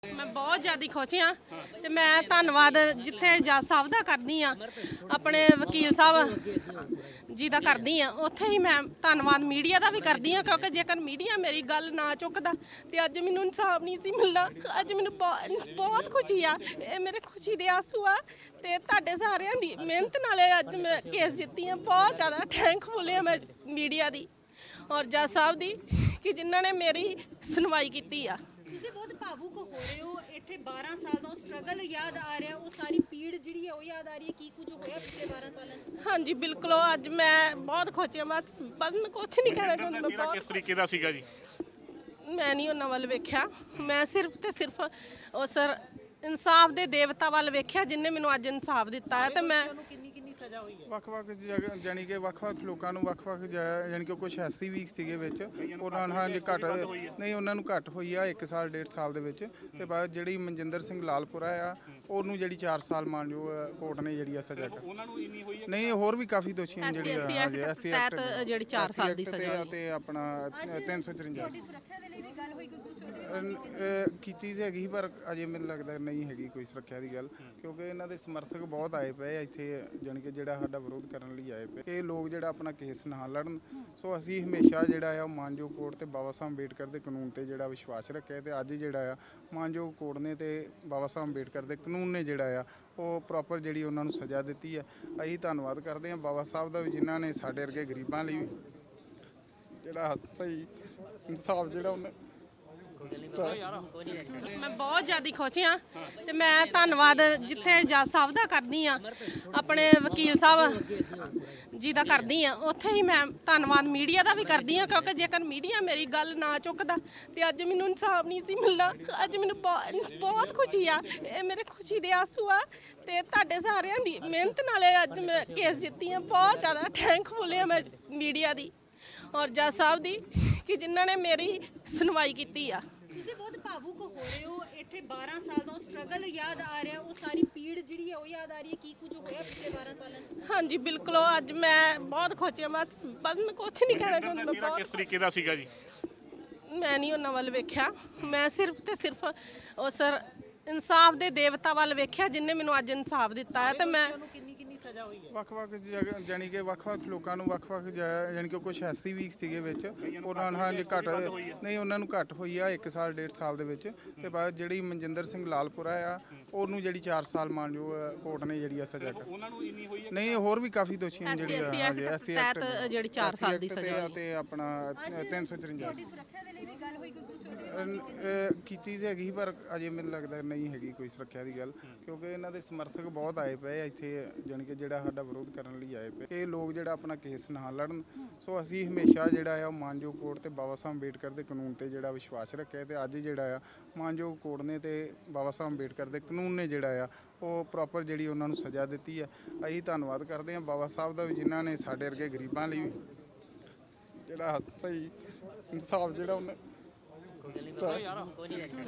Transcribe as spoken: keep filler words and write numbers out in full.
मैं बहुत ज़्यादा खुश हाँ तो मैं धन्नवाद जिथे जज साहब का करनी हाँ अपने वकील साहब जी का करनी हाँ उत्थे ही मैं धन्नवाद मीडिया का भी करदी हाँ क्योंकि जेकर मीडिया मेरी गल ना चुकता तो अज मैनू इंसाफ नहीं सी मिलना। अज मैनू बहुत खुशी आ, ये मेरे खुशी के आंसू आ ते तुहाडे सारिਆਂ ਦੀ मेहनत नाल अज मैं केस जित्ती हाँ। बहुत ज़्यादा थैंकफुल है मैं मीडिया की और जज साहब की कि जिन्होंने मेरी सुनवाई की आ। ਤੁਸੀਂ ਬਹੁਤ ਭਾਵੁਕ ਹੋ ਰਹੇ ਹੋ। ਇੱਥੇ ਬਾਰਾਂ ਸਾਲ ਦਾ ਸਟਰਗਲ ਯਾਦ ਆ ਰਿਹਾ, ਉਹ ਸਾਰੀ ਪੀੜ ਜਿਹੜੀ ਹੈ ਉਹ ਯਾਦ ਆ ਰਹੀ ਹੈ, ਕੀ ਕੁਝ ਹੋਇਆ ਪਿਛਲੇ ਬਾਰਾਂ ਸਾਲਾਂ 'ਚ। ਹਾਂਜੀ ਬਿਲਕੁਲ ਅੱਜ ਮੈਂ ਬਹੁਤ ਖੁਸ਼ ਹਾਂ। ਬਸ ਬਸ ਮੈਂ ਕੁਝ ਨਹੀਂ ਕਹਿਣਾ ਚਾਹੁੰਦੀ। ਮੈਂ ਬਹੁਤ ਕਿਸ ਤਰੀਕੇ ਦਾ ਸੀਗਾ ਜੀ? ਮੈਂ ਨਹੀਂ ਉਹਨਾਂ ਵੱਲ ਵੇਖਿਆ, ਮੈਂ ਸਿਰਫ ਤੇ ਸਿਰਫ ਉਹ ਸਰ ਇਨਸਾਫ ਦੇ ਦੇਵਤਾ ਵੱਲ ਵੇਖਿਆ ਜਿਨਨੇ ਮੈਨੂੰ ਅੱਜ ਇਨਸਾਫ ਦਿੱਤਾ ਹੈ। ਤੇ ਮੈਂ ਵੱਖ-ਵੱਖ ਜਗ੍ਹਾ ਜਾਨੀ ਕਿ ਵੱਖ-ਵੱਖ ਲੋਕਾਂ ਨੂੰ ਵੱਖ-ਵੱਖ ਜਾਨੀ ਕਿ ਕੁਝ ਐਸੀ ਵੀ ਸੀਗੇ ਵਿੱਚ ਉਹਨਾਂ ਨੂੰ ਹਾਂਜੀ ਘੱਟ ਨਹੀਂ ਉਹਨਾਂ ਨੂੰ ਘੱਟ ਹੋਈ ਆ ਇੱਕ ਸਾਲ ਡੇਢ ਸਾਲ ਦੇ ਵਿੱਚ। ਤੇ ਬਾਅਦ ਜਿਹੜੀ ਮਨਜਿੰਦਰ ਸਿੰਘ ਲਾਲਪੁਰਾ ਆ ਉਹਨੂੰ ਜਿਹੜੀ ਚਾਰ ਸਾਲ ਮਾਨਯੋਗ ਕੋਰਟ ਨੇ ਜਿਹੜੀ ਆ ਸਜ਼ਾ ਦਿੱਤੀ। ਉਹਨਾਂ ਨੂੰ ਇੰਨੀ ਹੋਈ ਹੈ ਨਹੀਂ ਹੋਰ ਵੀ ਕਾਫੀ ਦੋਸ਼ੀ ਨੇ ਜਿਹੜੇ ਹਾਂਜੀ ਐਸਸੀ ਐਕਟ ਜਿਹੜੀ ਚਾਰ ਸਾਲ ਦੀ ਸਜ਼ਾ ਤੇ ਆਪਣਾ ਤਿੰਨ ਸੌ ਚੁਰੰਜਾ ਤੁਹਾਡੀ ਸੁਰੱਖਿਆ ਦੇ ਲਈ ਵੀ ਗੱਲ ਹੋਈ, ਕੋਈ ਕੁਝ ਉਹਦੇ ਵਿੱਚ ਕੀਤੀ ਸੀ ਹੈਗੀ ਪਰ ਅਜੇ ਮੈਨੂੰ ਲੱਗਦਾ ਨਹੀਂ ਹੈਗੀ ਕੋਈ ਸੁਰੱਖਿਆ ਦੀ ਗੱਲ ਕਿਉਂਕਿ ਇਹਨਾਂ ਦੇ ਸਮਰਥਕ ਬਹੁਤ ਆਏ ਪਏ ਆ ਇੱਥੇ ਜਾਣੀ ਕਿ ਜਿਹੜਾ ਸਾਡਾ ਵਿਰੋਧ ਕਰਨ ਲਈ ਆਏ ਪਏ। ਇਹ ਲੋਕ ਜਿਹੜਾ ਆਪਣਾ ਕੇਸ ਨਾ ਲੜਨ। ਸੋ ਅਸੀਂ ਹਮੇਸ਼ਾ ਜਿਹੜਾ ਆ ਉਹ ਮਾਨਯੋਗ ਕੋਰਟ ਤੇ ਬਾਬਾ ਸਾਹਿਬ ਅੰਬੇਡਕਰ ਦੇ ਕਾਨੂੰਨ ਤੇ ਜਿਹੜਾ ਵਿਸ਼ਵਾਸ ਰੱਖਿਆ ਤੇ ਅੱਜ ਜਿਹੜਾ ਆ ਮਾਨਯੋਗ ਕੋਰਟ ਨੇ ਤੇ ਬਾਬਾ ਸਾਹਿਬ ਅੰਬੇਡਕਰ ਦੇ ਕਾਨੂੰਨ ਨੇ ਜਿਹੜਾ ਆ ਉਹ ਪ੍ਰੋਪਰ ਜਿਹੜੀ ਉਹਨਾਂ ਨੂੰ ਸਜ਼ਾ ਦਿੱਤੀ ਹੈ। ਅਸੀਂ ਧੰਨਵਾਦ ਕਰਦੇ ਹਾਂ ਬਾਬਾ ਸਾਹਿਬ ਦਾ ਵੀ ਜਿਨ੍ਹਾਂ ਨੇ ਸਾਡੇ ਵਰਗੇ ਗਰੀਬਾਂ ਲਈ ਜਿਹੜਾ ਸਹੀ ਇਨਸਾਫ ਜਿਹੜਾ ਉਹਨੇ। मैं बहुत ज़्यादा खुश हाँ तो मैं धन्नवाद जिथे जज साहब का करनी हाँ अपने वकील साहब जी का करदी हाँ उत्थे ही मैं धन्नवाद मीडिया का भी करदी हाँ क्योंकि जेकर मीडिया मेरी गल ना चुकता तो अज मैनू इंसाफ नहीं सी मिलना। अज मैनू बहुत खुशी आ, ये मेरे खुशी के आंसू आ ते तुहाडे सारिਆਂ ਦੀ मेहनत नाल अज मैं केस जित्ती हाँ। बहुत ज़्यादा थैंकफुल है मैं मीडिया की और जज साहब की कि जिन्होंने मेरी सुनवाई की आ। ਤੁਸੀਂ ਬਹੁਤ ਭਾਵੁਕ ਹੋ ਰਹੇ ਹੋ। ਇੱਥੇ ਬਾਰਾਂ ਸਾਲ ਦਾ ਸਟਰਗਲ ਯਾਦ ਆ ਰਿਹਾ, ਉਹ ਸਾਰੀ ਪੀੜ ਜਿਹੜੀ ਹੈ ਉਹ ਯਾਦ ਆ ਰਹੀ ਹੈ, ਕੀ ਕੁਝ ਹੋਇਆ ਪਿਛਲੇ ਬਾਰਾਂ ਸਾਲਾਂ 'ਚ। ਹਾਂਜੀ ਬਿਲਕੁਲ ਅੱਜ ਮੈਂ ਬਹੁਤ ਖੁਸ਼ ਹਾਂ। ਬਸ ਬਸ ਮੈਂ ਕੁਝ ਨਹੀਂ ਕਹਿਣਾ ਚਾਹੁੰਦੀ। ਮੈਂ ਬਹੁਤ ਕਿਸ ਤਰੀਕੇ ਦਾ ਸੀਗਾ ਜੀ? ਮੈਂ ਨਹੀਂ ਉਹਨਾਂ ਵੱਲ ਵੇਖਿਆ, ਮੈਂ ਸਿਰਫ ਤੇ ਸਿਰਫ ਉਹ ਸਰ ਇਨਸਾਫ ਦੇ ਦੇਵਤਾ ਵੱਲ ਵੇਖਿਆ ਜਿਨਨੇ ਮੈਨੂੰ ਅੱਜ ਇਨਸਾਫ ਦਿੱਤਾ ਹੈ। ਤੇ ਮੈਂ ਵੱਖ-ਵੱਖ ਜਗ੍ਹਾ ਜਾਨੀ ਕਿ ਵੱਖ-ਵੱਖ ਲੋਕਾਂ ਨੂੰ ਵੱਖ-ਵੱਖ ਜਾਨੀ ਕਿ ਕੁਝ ਐਸੀ ਵੀ ਸੀਗੇ ਵਿੱਚ ਉਹਨਾਂ ਨੂੰ ਹਾਂਜੀ ਘੱਟ ਨਹੀਂ ਉਹਨਾਂ ਨੂੰ ਘੱਟ ਹੋਈ ਆ ਇੱਕ ਸਾਲ ਡੇਢ ਸਾਲ ਦੇ ਵਿੱਚ। ਤੇ ਬਾਅਦ ਜਿਹੜੀ ਮਨਜਿੰਦਰ ਸਿੰਘ ਲਾਲਪੁਰਾ ਆ ਉਹਨੂੰ ਜਿਹੜੀ ਚਾਰ ਸਾਲ ਮਾਨਯੋਗ ਕੋਰਟ ਨੇ ਜਿਹੜੀ ਆ ਸਜ਼ਾ ਦਿੱਤੀ। ਉਹਨਾਂ ਨੂੰ ਇੰਨੀ ਹੋਈ ਹੈ ਨਹੀਂ ਹੋਰ ਵੀ ਕਾਫੀ ਦੋਸ਼ੀ ਨੇ ਜਿਹੜੇ ਹਾਂਜੀ ਐਸਸੀ ਐਕਟ ਜਿਹੜੀ ਚਾਰ ਸਾਲ ਦੀ ਸਜ਼ਾ ਤੇ ਆਪਣਾ ਤਿੰਨ ਸੌ ਚੁਰੰਜਾ। ਤੁਹਾਡੀ ਸੁਰੱਖਿਆ ਦੇ ਲਈ ਵੀ ਗੱਲ ਹੋਈ, ਕੋਈ ਕੁਝ ਉਹਦੇ ਵਿੱਚ ਕੀਤੀ ਸੀ ਹੈਗੀ ਪਰ ਅਜੇ ਮੈਨੂੰ ਲੱਗਦਾ ਨਹੀਂ ਹੈਗੀ ਕੋਈ ਸੁਰੱਖਿਆ ਦੀ ਗੱਲ ਕਿਉਂਕਿ ਇਹਨਾਂ ਦੇ ਸਮਰਥਕ ਬਹੁਤ ਆਏ ਪਏ ਆ ਇੱਥੇ ਜਾਣੀ ਕਿ ਜਿਹੜਾ ਸਾਡਾ ਵਿਰੋਧ ਕਰਨ ਲਈ ਆਏ ਪਏ। ਇਹ ਲੋਕ ਜਿਹੜਾ ਆਪਣਾ ਕੇਸ ਨਾ ਲੜਨ। ਸੋ ਅਸੀਂ ਹਮੇਸ਼ਾ ਜਿਹੜਾ ਆ ਉਹ ਮਾਨਯੋਗ ਕੋਰਟ ਤੇ ਬਾਬਾ ਸਾਹਿਬ ਅੰਬੇਡਕਰ ਦੇ ਕਾਨੂੰਨ ਤੇ ਜਿਹੜਾ ਵਿਸ਼ਵਾਸ ਰੱਖਿਆ ਤੇ ਅੱਜ ਜਿਹੜਾ ਆ ਮਾਨਯੋਗ ਕੋਰਟ ਨੇ ਤੇ ਬਾਬਾ ਸਾਹਿਬ ਅੰਬੇਡਕਰ ਦੇ ਕਾਨੂੰਨ ਨੇ ਜਿਹੜਾ ਆ ਉਹ ਪ੍ਰੋਪਰ ਜਿਹੜੀ ਉਹਨਾਂ ਨੂੰ ਸਜ਼ਾ ਦਿੱਤੀ ਹੈ। ਅਸੀਂ ਧੰਨਵਾਦ ਕਰਦੇ ਹਾਂ ਬਾਬਾ ਸਾਹਿਬ ਦਾ ਵੀ ਜਿਨ੍ਹਾਂ ਨੇ ਸਾਡੇ ਵਰਗੇ ਗਰੀਬਾਂ ਲਈ ਜਿਹੜਾ ਸਹੀ ਇਨਸਾਫ ਜਿਹੜਾ ਉਹਨੇ।